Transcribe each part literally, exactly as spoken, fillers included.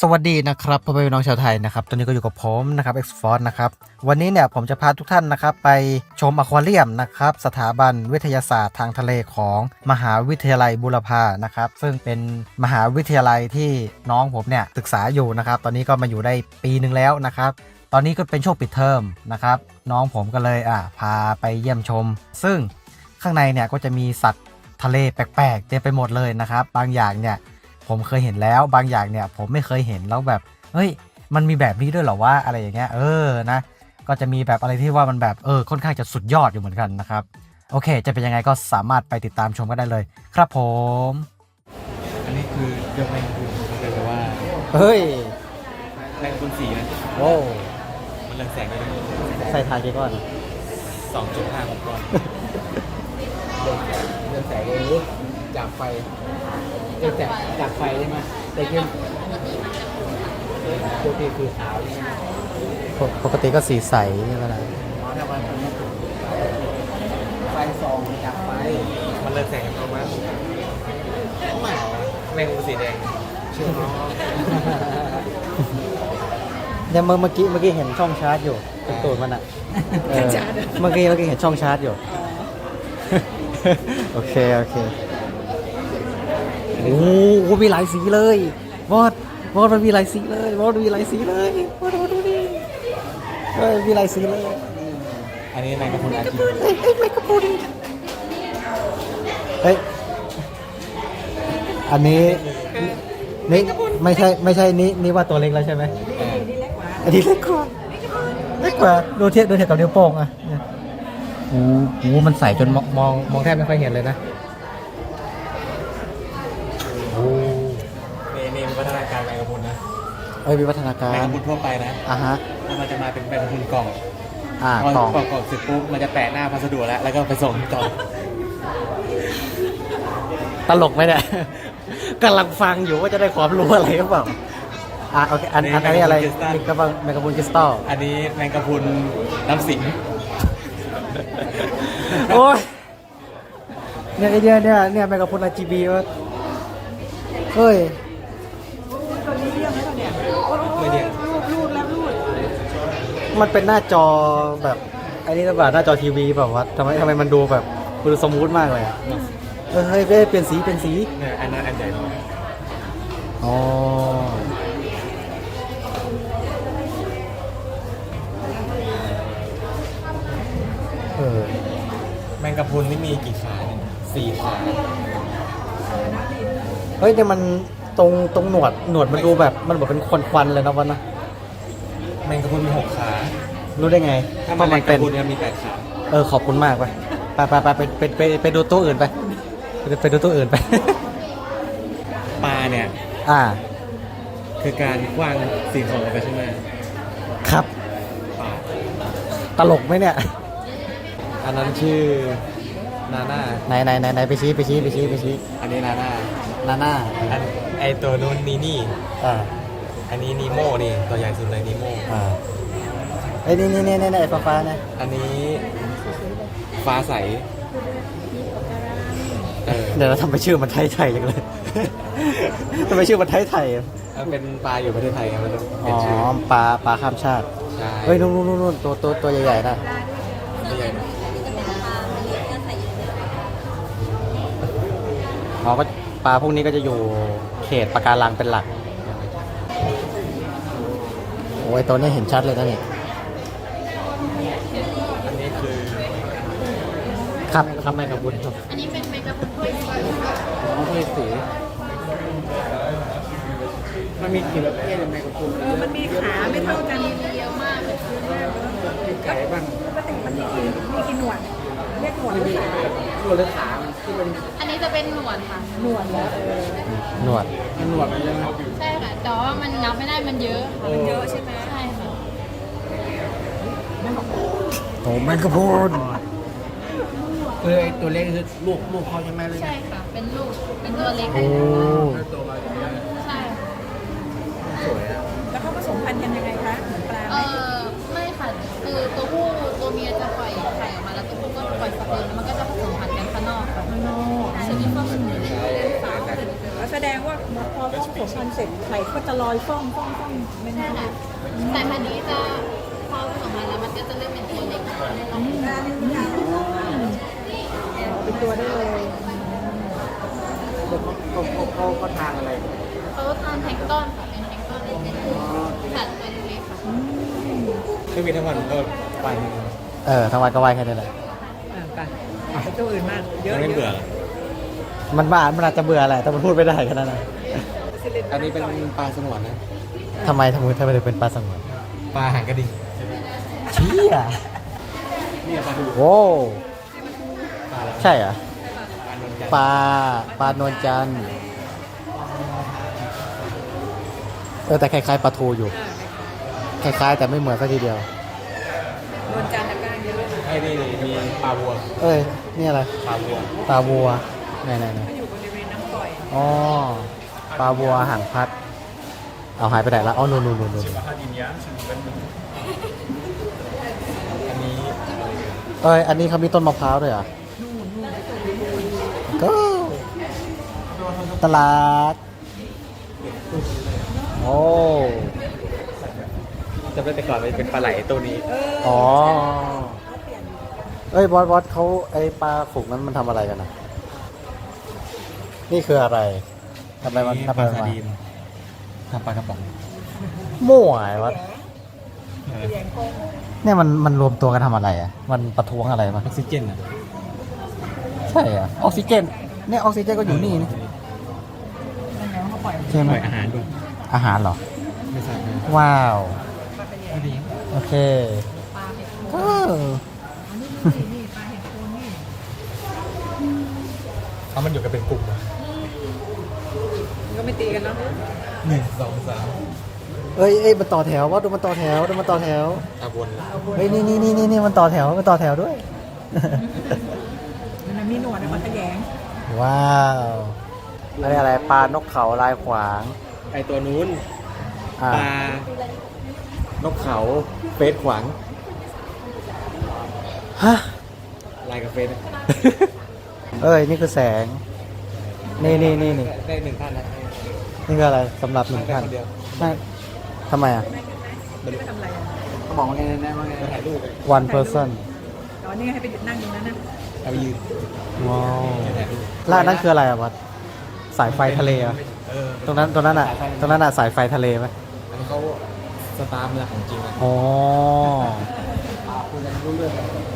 สวัสดีนะครับพ่อแม่พี่น้องชาวไทยนะครับตอนนี้ก็อยู่กับผมนะครับ X Force นะครับวันนี้เนี่ยผมจะพาทุกท่านนะครับไปชมอควาเรียมนะครับสถาบันวิทยาศาสตร์ทางทะเลของมหาวิทยาลัยบูรพานะครับซึ่งเป็นมหาวิทยาลัยที่น้องผมเนี่ยศึกษาอยู่นะครับตอนนี้ก็มาอยู่ได้ปีหนึ่งแล้วนะครับตอนนี้ก็เป็นช่วงปิดเทอมนะครับน้องผมก็เลยอ่ะพาไปเยี่ยมชมซึ่งข้างในเนี่ยก็จะมีสัตว์ทะเลแปลกๆเต็มไปหมดเลยนะครับบางอย่างเนี่ยผมเคยเห็นแล้วบางอย่างเนี่ยผมไม่เคยเห็นแล้วแบบเฮ้ยมันมีแบบนี้ด้วยเหรอวะอะไรอย่างเงี้ยเออนะก็จะมีแบบอะไรที่ว่ามันแบบเออค่อนข้างจะสุดยอดอยู่เหมือนกันนะครับโอเคจะเป็นยังไงก็สามารถไปติดตามชมกันได้เลยครับผมอันนี้คือยกแมงกุนเรียกว่าเฮ้ยแมงกุนสีนะโอ้มันเรืองแสงได้ด้วยใส่ทายกี่ก้อนสองจุดห้าของก้อนเรืองแสงเองจากไฟเรืองแสงจากไฟได้ไหมแต่ขึ้นปกติคือขาวใช่ไหมปกติก็สีใสใช่ไหมล่ะอ๋อถ้าว่ามันไฟส่องจากไฟมันเรืองแสงประมาณแมงกุนสีแดงเชื่อมั้ยเนี่ยเมื่อเมื่อกี้เมื่อกี้เห็นช่องชาร์จอยู่เป็นตูดมันอ่ะเมื่อกี้เมื่อกี้เห็นช่องชาร์จอยู่โอเคโอเคโอ้โหมีหลายสีเลยบอสบอสมันมีหลายสีเลยบอสมีหลายสีเลยบอสดูดิเฮ้ยมีหลายสีเลยอันนี้แมงกะพรุนอาชีพเฮ้ยแมงกะพรุนเฮ้ยอันนี้นี่ไม่ใช่ไม่ใช่นี่นี่ว่าตัวเล็กแล้วใช่ไหมอันนี้เล็กกว่าเล็กกว่าดูเทียบดูเทียบกับนิ้วโป้งอ่ะโอ้โหมันใสจนมองมองมองแทบไม่ค่อยเห็นเลยนะโอ้นี่นี่มีพัฒนาการแมงกะพรุนนะเอ้ยมีพัฒนาการแมงกะพรุนทั่วไปนะอ่ะฮะแล้วมันจะมาเป็นแมงกะพรุนกล่องอ่ากล่องกล่องกล่องเสร็จปุ๊บมันจะแปะหน้าพัสดุแล้วแล้วก็ไปส่งกล่องตลกไหมเนี่ยกำลังฟังอยู่ว่าจะได้ความรู้อะไรหรือเปล่าอ่ะโอเคอันอันนี้อะไรมีกระบังแมงกะพรุนคริสตัลอันนี้แมงกะพรุนน้ำสิงโอ้ยเนี่ยไอเดียเนี่ยเนี่ยแมงกะพรุน อาร์ จี บี วะเฮ้ยไม่เรียกมันเป็นหน้าจอแบบไอ้นี่หรือเปล่าหน้าจอทีวีแบบว่าทำไมทำไมมันดูแบบดูสมูทมากเลยเออเฮ้ยเปลี่ยนสีเปลี่ยนสีเนี่ยอันนั้นอันใหญ่อ๋อเออแมงกะพรุนนี่มีกี่ขาเนี่ยสี่ขาเฮ้ยแต่มันตรงตรงหนวดหนวดมันดูแบบมันแบบเป็นควันควันเลยนะวันนะแมงกะพรุนมีหกขารู้ได้ไงถ้ามันแมงกะพรุนเนี่ยมีแปดขาเออขอบคุณมากไปไปไปไปไปไปไปไปดูตัวอื่นไปไปดูตัวอื่นไปปลาเนี่ยอ่าคือการกว้างสิ่งของออกไปใช่ไหมครับปลาตลกไหมเนี่ยอันนั้นชื่อนาน่าไหนไหนไหนไหนไปชี้ไปชี้ไปชี้ไปชี้อันนี้นาน่านาน่าอันไอตัวนู้นนีนี่อ่าอันนี้นีโม่นี่ตัวใหญ่สุดเลยนีโม่อ่าไอ้นี่นี่นี่นี่ไอ้ฟ้าฟ้าเนี่ยอันนี้ฟ้าใสเดี๋ยวเราทำไปชื่อมันไทยไทยอย่างเลยทำไปชื่อมันไทยไทยมันเป็นปลาอยู่ประเทศไทยไงมันอ๋อปลาปลาข้ามชาติเฮ้ยนู่นนู่นนู่นตัวตัวตัวใหญ่ๆนะตัวใหญ่นะอ๋อก็ปลาพวกนี้ก็จะอยู่เขตปะการังเป็นหลักโอ้ยตัวนี้เห็นชัดเลยนะนี่อันนี้คือครับครับแมงกะพรุนครับอันนี้เป็นแมงกะพรุนถ้วยสีอ๋อถ้วยสีมันมีกี่ประเภทแมงกะพรุนเออมันมีขาไม่เท่ากันเยอะมากเลยมีไก่บ้างปกติมันมีกี่มีกี่หนวดเรียกหนวดหรือขาหนวดหรือขาที่เป็นอันนี้จะเป็นหนวดค่ะหนวดแล้วเออหนวดมันหนวดมันเลยครับใช่ค่ะแต่ว่ามันนับไม่ได้มันเยอะค่ะมันเยอะใช่ไหมใช่ค่ะโอ้แมงกะพรุนเออตัวเล็กคือลูกลูกเขาใช่ไหมเลยใช่ค่ะเป็นลูกเป็นตัวเล็กโอ้ตัวมาใช่สวยอ่ะแล้วเขาผสมพันธุ์กันยังไงคะเหมือนปลาไหมเออไม่ค่ะคือตัวผู้ตัวเมียจะปล่อยไข่ออกมาแล้วตัวผู้ก็ปล่อยสเปิร์มแล้วมันก็จะผสมพันธุ์กันข้างนอกค่ะข้างนอกจะมีความสมุนไพรแสดงว่าพอต้องผสมพันธุ์เสร็จไข่ก็จะลอยฟ่องฟ่องฟ่องไม่ใช่แน่ค่ะสายพันธุ์นี้จะพอผสมมาแล้วมันก็จะเริ่มเป็นตัวเล็กเป็นตัวได้เลยเขาเขาเขาเขาทานอะไรเขาทานแพลงก์ต้นค่ะเป็นแพลงก์ต้นเล็กๆสัตว์ตัวเล็กๆค่ะคือมีทั้งวันก็วันเออทั้งวันก็ว่ายแค่นี้แหละอ่าไปไปตัวอื่นมากเยอะยังไม่เยเบื่ออะมันบ้ามันอาจจะเบื่อแหละแต่มันพูดไม่ได้แค่นั้นนะอันนี้เป็นปลาสงวนนะทำไมทำไมทำไมถึงเป็นปลาสงวนปลาหางกระดิ่งเชี่ยนี่ปลาดูโว้ปลาอะไรใช่เหรอปลานวลจันทร์ปลาปลานวลจันทร์เออแต่คล้ายๆปลาทูอยู่ คล้ายๆแต่ไม่เหมือนสักทีเดียวนวลจันทร์ตะกร้าเยอะเลยไอ้นี่มีปลาวัวเอ้ยนี่อะไรปลาวัวปลาวัวไหนไหนไหนอยู่บริเวณน้ำปล่อยอ๋อปลาวัวหางพัด เอาหายไปไหนละอ๋อนู่นนู่นนู่นนู่นอันนี้เอ้ยอันนี้เขามีต้นมะพร้าวด้วยเหรอก็ตลาดโอ้จำได้แต่ก่อนมันเป็นปลาไหลตัวนี้อ๋อเอ้ยบอสบอสเขาไอปลาฝูงนั้นมันทำอะไรกันนะนี่คืออะไรทำไมมันทำปอะลาไรซามาดีนทำปลากระป๋องมั่วไอ้วัดเออเนี่ยมันมันรวมตัวกันทำอะไรอ่ะมันประท้วงอะไรมาออกซิเจนอ่ะใช่เหรอ่ะออกซิเจนเนี่ยออกซิเจนก็อยู่นี่นี่ใช่ไหปมล่อยอาหารด้วยอาหารเหรอไม่ทราบนะว้าวไม่ดีโอเคเออเพราะมันอยู่กันเป็นกลุ่มอะมันก็ไม่ตีกันเนาะหนึ่งสองสามเอ้ยเอ้ยมันต่อแถวว่าดูมันต่อแถวดูมันต่อแถวตาบนเฮ้ยนี่นี่นี่นี่นี่มันต่อแถวมันต่อแถวด้วยมันมีหนวดมันขยงว้าวอะไรอะไรปลานกเขาลายขวางไอตัวนู้นอ่าปลานกเขาเฟสขวางฮะลายกับเฟสอะเอ้ยนี่คือแสง นี่นี่นี่นี่ได้หนึ่งท่านนะนี่คืออะไรสำหรับหนึ่งได้ท่านคนเดียวไม่ทำไมอ่ะไม่ทำอะไรอ่ะเขาบอกว่าไงนะว่าไงถ่ายรูป one person ตอนนี้ให้ไปหยุดนั่งตรงนั้นนะเอาไปยืนว้าวถ่ายรูปล่าดนั่นคืออะไรอ่ะวัดสายไฟทะเลเหรอ่ะเออตรงนั้นตรงนั้นอ่ะ ตรงนั้นอ่ะสายไฟทะเลไหมอันนี้เขาสตาร์มาจากของจริงนะอ๋อคุยกันรู้เรื่อง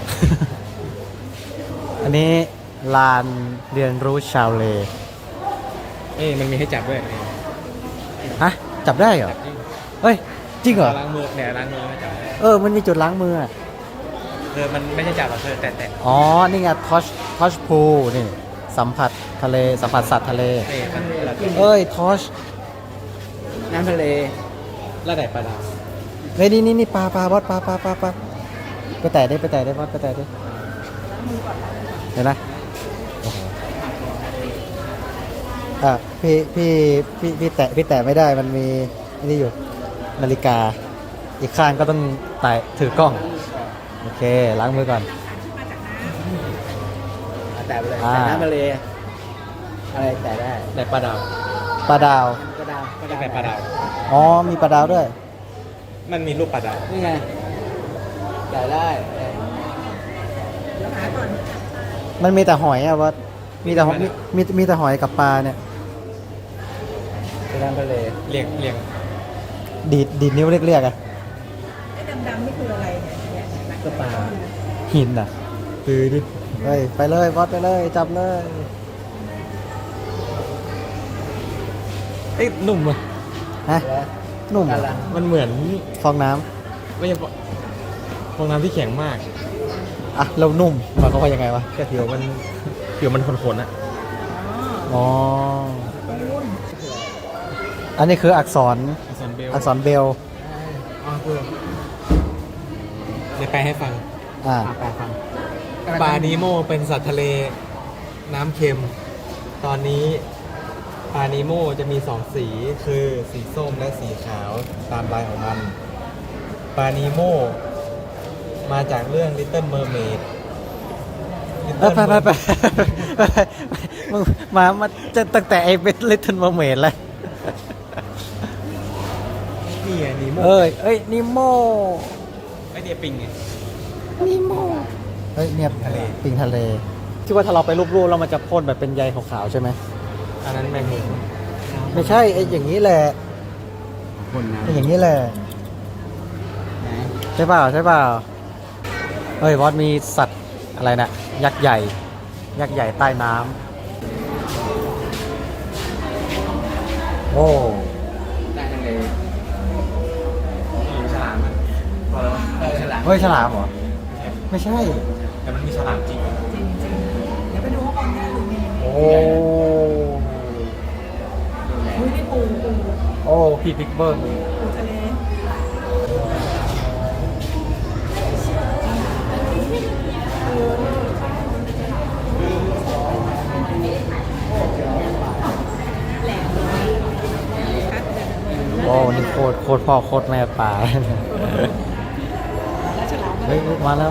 อันนี้ลานเรียนรู้ชาวเลเอ้ยมันมีให้จับด้วยฮะจับได้เหรอจับจริงเฮ้ยจริงเหรอล้างมือเนี่ยล้างมือไม่จับเออมันมีจุดล้างมืออ่ะเออมันไม่ใช่จับหรอกเธอแต่แต่อ๋อนี่ไงทอชทอชพูนี่สัมผัสทะเลสัมผัสสัตว์ทะเลเอ้ยมันเราเอ้ยทอชน้ำทะเลแล้วไหนปลาดาวเฮ้ยนี่นี่นี่ปลาปลาบอสปลาปลาปลาปลาไปแตะได้ไปแตะได้บอสไปแตะได้เห็นไหมโอ้โหอ่ะพี่พี่พี่พี่แตะพี่แตะไม่ได้มันมีอันนี่อยู่นาฬิกา อีกข้างก็ต้องไต่ถือกล้องโอเคล้างมือก่อนแต่ไปเลยอ่าแต่น้ำทะเลอะไรแต่ได้แต่ปลาดาวปลาดาวปลาดาวปลาดาวแต่ปลาดาวอ๋อมีปลาดาวด้วยมันมีรูปปลาดาวนี่ไงแต่ได้หาก่อนมันมีแต่หอยอะว่ามีแต่หอยมีมีมีแต่หอยกับปลาเนี่ยเป็นน้ำทะเลเรียงเรียงดีดดีดนิ้วเรียกๆอะไอ้ดำๆนี่คืออะไรเนี่ยก็ปลาหินอะคือดิเฮ้ยไปเลยบอสไปเลยจับเลยเอ้ยหนุ่มอ่ะฮะนุ่มอะไรมันเหมือนฟองน้ไม่ใช่ฟองน้ำที่แข็งมากำอ่ะเรานุ่มหมายความว่ายังไงวะแต่ผิวมันผิวมันขนๆอ่ะอ๋ออันนี้คืออักษรอักษรเบลอักษรเบลอ๋อคือเดี๋ยวแปลให้ฟังอ่าแปลฟังปลานีโมเป็นสัตว์ทะเลน้ำเค็ม ตอนนี้ปลานีโมจะมีสองสีคือสีส้มและสีขาวตามลายของมันปลานีโมมาจากเรื่อง Little Mermaid เออไปไปไปไปไปมึงมามาจะตั้งแต่ไอ้เบสเลตเทนมาเมดแล้วนี่ไงนีโมเอ้ยเอ้ยนิโมไอเนี่ยปิงไงนิโมเฮ้ยเนี่ยทะเลปิงทะเลที่ว่าถ้าเราไปรูปๆแล้วมันจะพ่นแบบเป็นใยขาวๆใช่ไหมอันนั้นแมงมุมไม่ใช่ไอ้อย่างนี้แหละคนนะไอ้อย่างนี้แหละใช่เปล่าใช่เปล่าเฮ้ยวอดมีสัตว์อะไรนะยักษ์ใหญ่ ยักษ์ใหญ่ใต้น้ำโอ้ได้ทั้งเลยมีฉลามอ่ะเออฉลามเฮ้ยฉลามเหรอไม่ใช่แต่มันมีฉลามจริงจริงจริงเดี๋ยวไปดูข้างบนนี่ดูมีโอ้อุ้ยนี่ปูปูโอ้พี่บิ๊กเบิ้งปูทะเลโอ้นี่โคตรโคตรพ่อโคตรแม่ป่าแล้วฉลามเฮ้ยมาแล้ว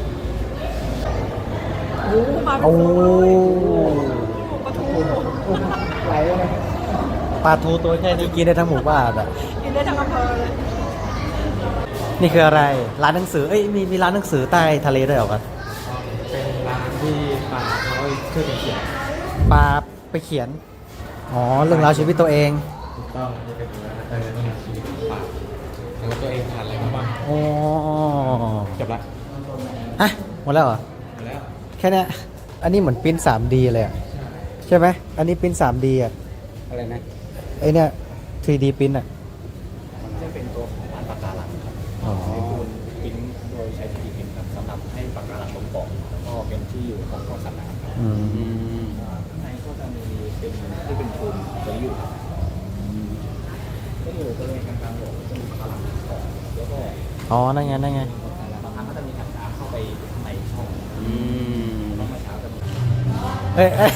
โอ้มาโอ้ปลาทูไหลเลยปลาทูตัวแค่นี้กินได้ทั้งหมู่บ้านอ่ะกินได้ทั้งอำเภอเลยนี่คืออะไรร้านหนังสือเอ้ยมีมีร้านหนังสือใต้ทะเลด้วยเหรอครับเป็นร้านที่ป่าเขาช่วยกันเขียนปลาไปเขียนอ๋อเรื่องราวชีวิตตัวเองถูกต้องนี่เป็นร้านเออนี่ชีวิตป่าแล้วตัวเองทานอะไรมาบ้างอ๋อจบละฮะหมดแล้วเหรอหมดแล้วแค่เนี้ยอันนี้เหมือนปริ้น ทรีดี เลยอะใช่ไหมอันนี้ปริ้น ทรีดี อ่ะอะไรนะไอเนี้ย ทรีดี ปริ้นอ่ะมันจะเป็นตัวของร้านปากการังครับอ๋อพิมพ์โดยใช้ทีพิมพ์ครับสำหรับให้ปากการังลงเกาะแล้วก็เป็นที่อยู่ของของสัตว์น้ำครับอืมข้างในก็จะมีเป็นที่เป็นทุนไว้อยู่ครับก็อยู่บริเวณกลางๆหัวก็จะมีปากการังเกาะแล้วก็อ๋อนั่นไงนั่นไงบางครั้งก็จะมีถังน้ำเข้าไปข้างในช่องแล้วเมื่อเช้าจะมีเอ้ยเอ้ย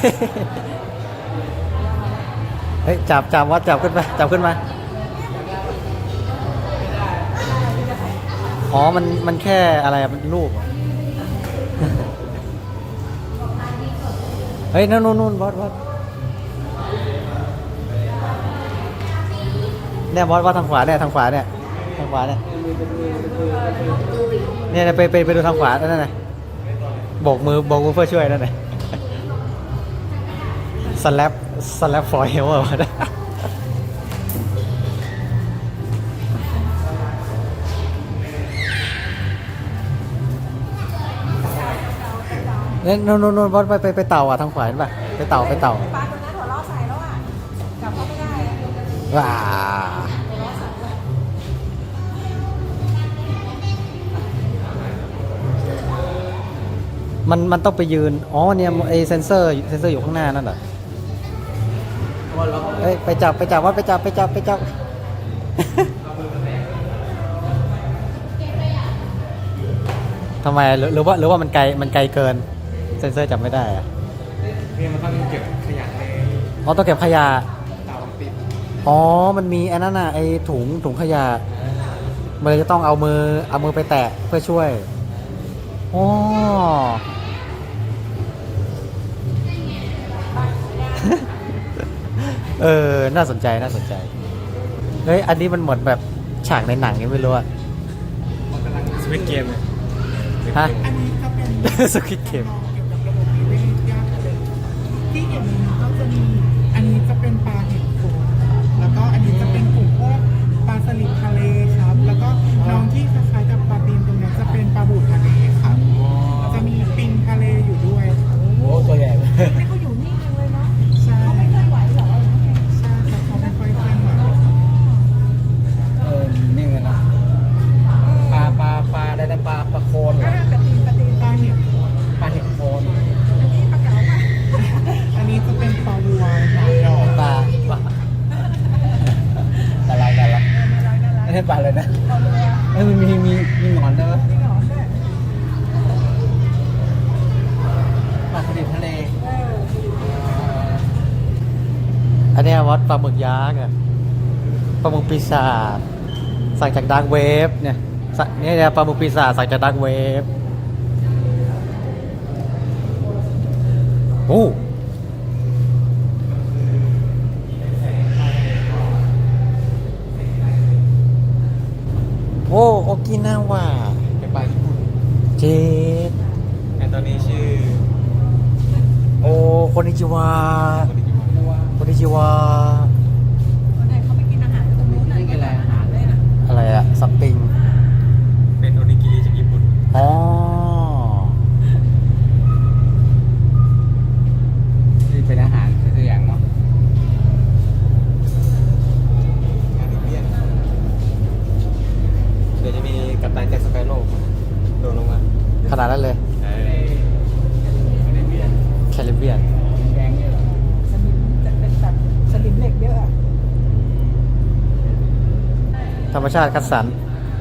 เฮ้ยจับจับวัดจับขึ้นมาจับขึ้นมาอ๋อมันมันแค่อะไรอะมันรูปเหรอ เฮ้ยนู่นนู่นนู่นบอสบอสเนี่ยบอสว่าทางขวาเนี่ยทางขวาเนี่ยทางขวาเนี่ยเนี่ยไปไปไปดูทางขวานั่นน่ะโบกมือโบกมือเพื่อช่วยนั่นน่ะสแลปสแลปฟอยล์วะเนี่ยนู่นนู่นนู่นบอสไปไปไปเต่าอ่ะทางขวาเห็นป่ะไปเต่าไปเต่าปลาตัวนั้นหัวเราะใส่แล้วอ่ะจับเขาไม่ได้อะว้ามันมันต้องไปยืน อ๋อเนี่ยไอเซนเซอร์เซนเซอร์อยู่ข้างหน้านั่นเหรอเอ้ยไปจับไปจับว่าไปจับไปจับไปจับ ทำไมหรือหรือว่าหรือว่ามันไกลมันไกลเกิน เซนเซอร์จับไม่ได้อะนี่มันต้องเก็บขยะในอ๋อต้องเก็บขยะเตาปิดอ๋อ มันมีไอ้นั่นน่ะไอ้ถุงถุงขยะมันเลยจะต้องเอามือเอามือไปแตะเพื่อช่วยอ๋อ เออ น่าสนใจน่าสนใจ เฮ้ย อันนี้มันเหมือนแบบฉากในหนังยังไม่รู้อะมันกำลังสวิตเกมเลยฮะอันนี้ก็เป็นสควิดเกมเกี่ยวกับระบบนิเวศย่างทะเลที่เห็นนี้ก็จะมีอันนี้จะเป็นปลาเห็ดโขงแล้วก็อันนี้จะเป็นกลุ่มพวกปลาสลิดทะเลครับ แล้วก็น้องที่คล้ายๆกับปลาตีนตรงนี้จะเป็นปลาบูทะเลครับแล้วจะมีปิงทะเลอยู่ด้วยครับโอ้ตัวใหญ่เลยนี่เขาอยู่นิ่งเลยเนาะใช่เขาไม่เคลื่อนไหวเหรอใช่ครับเขาไม่ค่อยเคลื่อนไหวเออนี่เลยนะปลาปลาปลาอะไรนะปลาปลาโคนเหรอ่าอปลาตีนปลาตีนปลาเห็ดปลาเห็ดโคนอันนี้ปลาเก๋าค่ะอันนี้จะเป็นปลาวัวหนอนดอกปลาปลาอะไรกันล่ะไม่ใช่ปลาเลยนะปลาวัวเอ้ยมันมีมีมีหนอนด้วยวะมีหนอนด้วยปลาสลิดทะเลเอออันเนี้ยวัดปลาหมึกยักษ์อะปลาหมึกปีศาจสั่งจากดาร์กเวฟเนี่ยสั่งเนี่ยเนี่ยปลาหมึกปีศาจสั่งจากดาร์กเวฟโอ้กินาว่าเป็นปลาญี่ปุ่นเจดไอตัวนี้ชื่อโอ้คนนิจิวาคนนิจิวาวันไหนเขาไปกินอาหารตรงนู้นน่ะกินอาหารเลยนะอะไรอะสปริงเป็นโอนิกิริจากญี่ปุ่นอ๋อที่เป็นอาหารตัวอย่างเนาะงานเรียนเดี๋ยวจะมีกัปตันแจ็คสเปโร่โดนลงมาขนาดนั้นเลยเออไม่ได้เบียนแคริบเบียนแดงเนี่ยเหรอสลิมจะเป็นแบบสลิมเหล็กเยอะอะธรรมชาติคัดสรร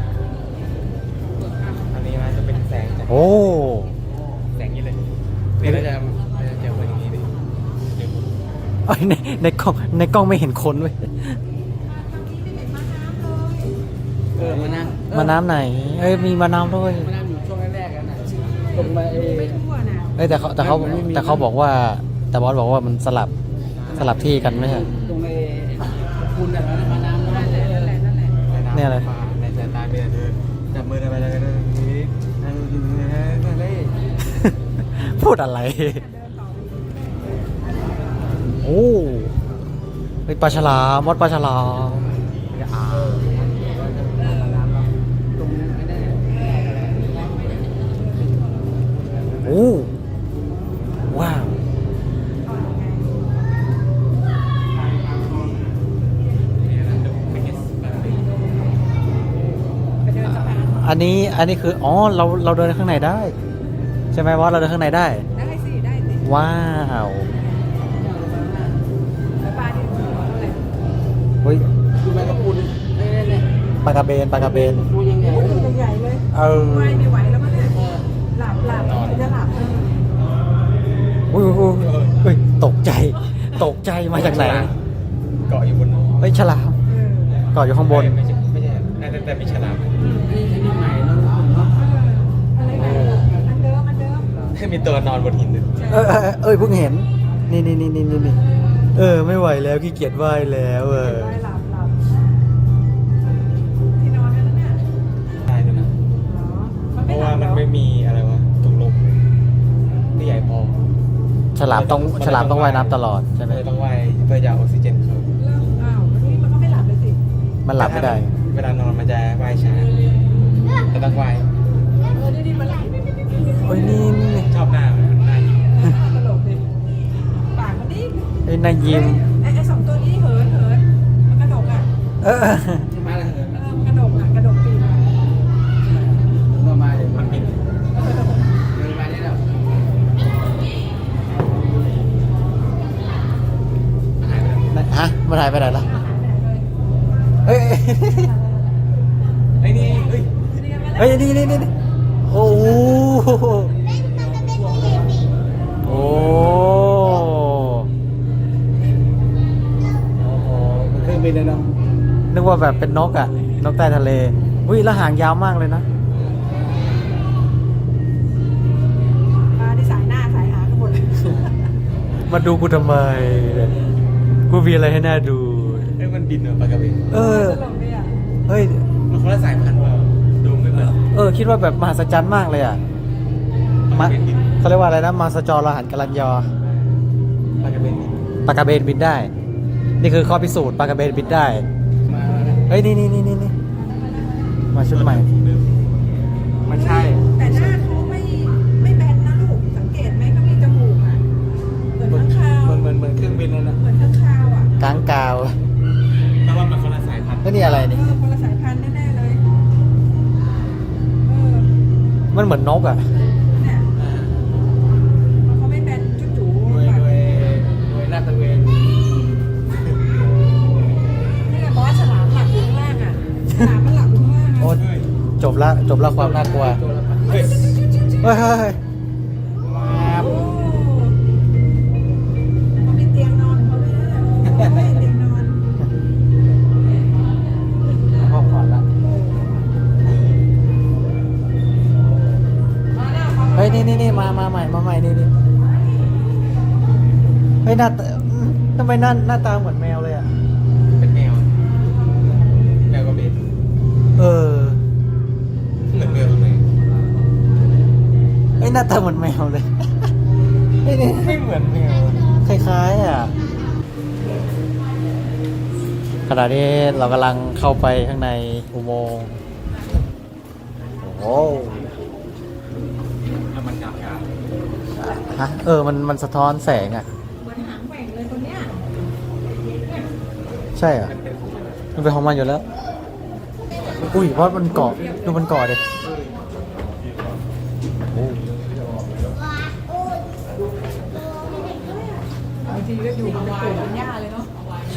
อันนี้มันจะเป็นแสงจากโอ้แสงนี้เลยนี่เราจะเราจะเจอเป็นอย่างนี้ดิเดี๋ยวเอ้ยในในกล้องในกล้องไม่เห็นคนเว้ยเออมานั่งมาน้ำไหน เอ้ยมีมาน้ำด้วยมานั่งอยู่ช่วงแรกๆกันน่ะตรงมาเอไม่ทั่วนะเอ้ยแต่เขาแต่เขาแต่เขาบอกว่า แต่บอสบอกว่ามันสลับสลับที่กันไม่ใช่ตรงไอ้คุณน่ะมาน้ำนั่นแหละนั่นแหละนั่นแหละเนี่ยอะไรในสายตาเบียร์เธอจับมือกันไปแล้วกันนี้นั่งกินนั่นเลยพูดอะไร โอ้เฮ้ยปลาฉลามมดปลาฉลามอ่ามาน้ำเนาะตรงไอ้นั่นน่ะโอ้ว้าวไปเดินสะพานอันนี้อันนี้คืออ๋อเราเราเดินข้างในได้ ใช่ไหมบอสเราเดินข้างในได้ได้สิได้สิว้าวแล้วปลาที่หัวเท่าไหร่เฮ้ยดูแมงกะพรุนนี่นี่นี่ปลากระเบนปลากระเบนดูยังไงโอ้ยตัวใหญ่เลยเออไม่ไม่ไหวแล้วมั้งเนี่ยหลับหลับจะหลับเอออุ้ยอุ้ยอุ้ยเฮ้ยตกใจ ตกใจมาจากไหนเกาะอยู่บนเฮ้ยฉลามเออเกาะอยู่ข้างบนไม่ใช่ไม่ใช่น่าจะแต่มีฉลามนี่ชนิดใหม่เนาะเนาะอะไรนะอันเดิมอันเดิมมีตัวนอนบนหินด้วยเออเออเออเอ้ยเพิ่งเห็น นี่นี่นี่นี่นี่เออไม่ไหวแล้วขี้เกียจว่ายแล้วเออได้หลับหลับที่นอนนั่นน่ะได้ด้วยนะเหรอมันเพไม่ราะหลัว่าบมันแล้วไม่มีอะไรวะถุงลมที่ใหญ่พอฉลามต้องฉลามต้องว่ายน้ำตลอดใช่ไหมเลยต้องว่ายเพื่อจะเอาออกซิเจนเข้าเริ่มอ้าววันนี้มันก็ไม่หลับเลยสิมันหลับไม่ได้เวลานอนมันจะว่ายช้าแต่ต้องว่ายเออนี่นี่มันหลับเฮ้ยนี่นี่นี่ชอบหน้ามันหน้ายิ้มตลกดิปากมันนี่ไอ้นายยิ้มไอ้ไอ้สองตัวนี้เหินเหินมันกระดกอ่ะเออมาเลยเออมันกระดกอ่ะกระดกปีกอ่ะมามาเลยมันบินเดินมานี่แล้วหายไปแล้วฮะมันหายไปไหนล่ะเอ้ยไอ้นี่เอ้ยเฮ้ยนี่นี่นี่นี่โอ้โหโอ้โอ้โหมันเครื่องบินเลยเนาะนึกว่าแบบเป็นนกอ่ะ นกใต้ทะเลอุ้ยแล้วหางยาวมากเลยนะปลาที่สายหน้าสายหางกันหมดเลยมาดูกูทำไมกูมีอะไรให้น่าดูเอ้ยมันบินเหรอปลากระเบนเออตลกเลยอ่ะเฮ้ยมันคนละสายพันธุ์เปล่าดูไม่เหมือนเออ คิดว่าแบบมหัศจรรย์มากเลยอ่ะปลากมาระเบนบินเขาเรียกว่าอะไรนะมาสจอรหันกลันยอปลากระเบนบินปลากระเบนบินได้ นี่คือข้อพิสูจน์ปลากระเบนบินได้มาเฮ้ย นี่นี่นี่นี่นี่มาชุดใหม่ไม่ใช่แต่หน้าเขาไม่ไม่แบนนะลูกสังเกตไหมเขามีจมูกอ่ะเหมือนข้างคาวเหมือนเหมือนเหมือนเครื่องบินเลยนะเหมือนข้างคาวอ่ะกลางกาวแต่ว่ามันคนละสายพันธุ์แล้วนี่อะไรเอนี่อคนละสายพันธุ์แน่ๆเลยเออมันเหมือนนกอ่ะเนี่ยเขาไม่แบนจุ๊จูโดยแบบโดยโดยลาดตระเวนนี่ไงบอสฉลามหลับอยู่ข้างล่างอ่ะฉลามมันหลับอยู่ข้างล่างโอ้อ่ะจบละจบละความน่ากลัวตัวละพันเฮ้ยเฮ้ยเฮ้ยเฮ้ยโอ้เขามีเตียงนอนของเขาด้วยนะโอ้ยเตียงนอนห้องผ่อนละมาแล้วเขาเฮ้ยนี่นี่นี่มามาใหม่มาใหม่นี่นี่เฮ้ยหน้าตาอืมทำไมหน้าหน้าตาเหมือนแมวเลยอ่ะเป็นแมวแมวกระเบนเออหน้าตาเหมือนแมวเลยเฮ้ยนี่ไม่เหมือนแมวคล้ายๆอ่ะขณะนี้เรากำลังเข้าไปข้างในอุโมงค์โอ้แล้วมันกลับกันฮะเออมันมันสะท้อนแสงอ่ะเหมือนหางแหว่งเลยคนเนี้ยใช่อ่ะมันเป็นของมันอยู่แล้ว อุ้ยเพราะมันเกาะดูมันเกาะดิโอ้บางทีก็อยู่บนปู่บนย่าเลยเนาะใช่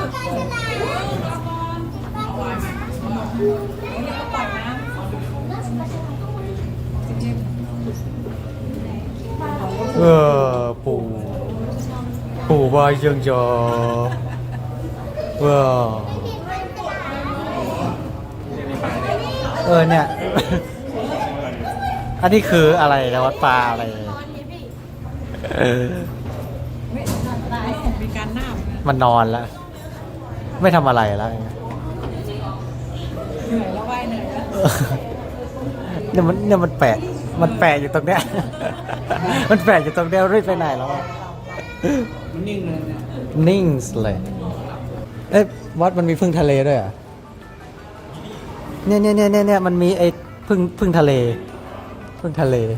เออปู่ปู่วายยังจอว้าวเออเนี่ย อันนี้คืออะไรนะวัดปลาอะไรเออมีการหน้าเหมือนกันมันนอนแล้ว ไม่ทำอะไรแล้วเหนื่อยแล้วว่ายเหนื่อยแล้วเนี่ยมันเนี่ยมันแปะมันแปะอยู่ตรงเนี้ย มันแปะอยู่ตรงเนี้ยรีบไปไหนแล้วอะมันนิ่งเลยเนี่ยนิ่งเลย เอ้ยวัดมันมีพึ่งทะเลด้วยเหรอ่ะเนี่ยเนี่ยเนี่ยเนี่ยเนี่ยมันมีไอ้พึ่งพึ่งทะเลพึ่งทะเล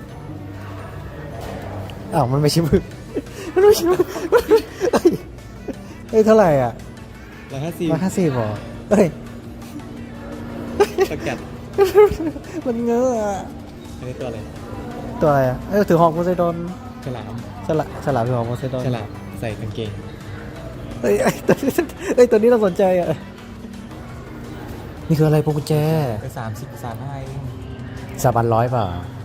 อ้าวมันไม่ใช่พึ่งมันไม่ใช่พึ่งเอ้ยเอ้ยเท่าไหร่อ่ะร้อยห้าสิบร้อยห้าสิบหรอเอ้ยสกัดมันเงอะอะอันนี้ตัวอะไรตัวอะไรอ่ะเอ้ยถือหอกโพไซดอนฉลามฉลาฉลามถือหอกโพไซดอนฉลามใส่กางเกงเอ้ยเอ้ยตัวนี้เอ้ยตัวนี้เราสนใจอ่ะนี่คืออะไรพวงกุญแจไปสามสิบสามห้าเองสามพันร้อยเปล่า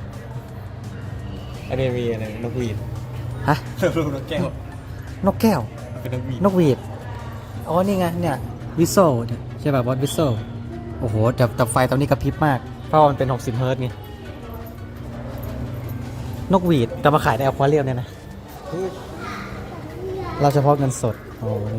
อันนี้มีอะไรนกหวีดฮะรูปนกแก้วนกแก้วเป็นนกหวีดนกหวีด อ๋อ นี่ไง เนี่ยวิโซเนี่ยใช่ป่ะบอสวิโซโอ้โหแต่แต่ไฟตอนนี้กระพริบมาก เพราะว่ามันเป็นหกสิบเฮิร์ตซ์ไง นกหวีดแต่มาขายในอควาเรียมเนี่ยนะ เราเฉพาะเงินสด โอ้เนี่ย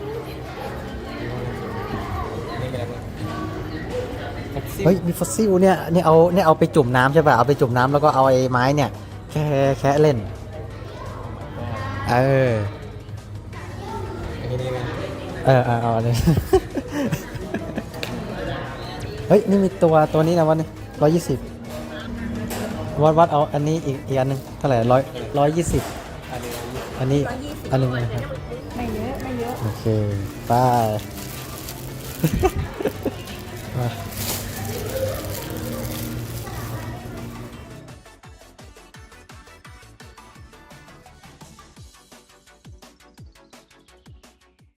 นี่เป็นอะไรฟ็อกซิลเฮ้ย มีฟอสซิลเนี่ยเนี่ยเอาเนี่ยเอาไปจุ่มน้ำใช่ป่ะ เอาไปจุ่มน้ำแล้วก็เอาไอ้ไม้เนี่ย แค่แค่เล่น เอออันนี้นี่ไหมเออเอาเอาอันนี้ เฮ้ย นี่มีตัวตัวนี้นะวันนี้ร้อยยี่สิบวัดวัดเอาอันนี้อีกอีกอันหนึงเท่าไหร่ร้อยร้อยยี่สิบอันนี้อันนี้ อันหนึงนะครับไม่เยอะไม่เยอะโอเค ไป มา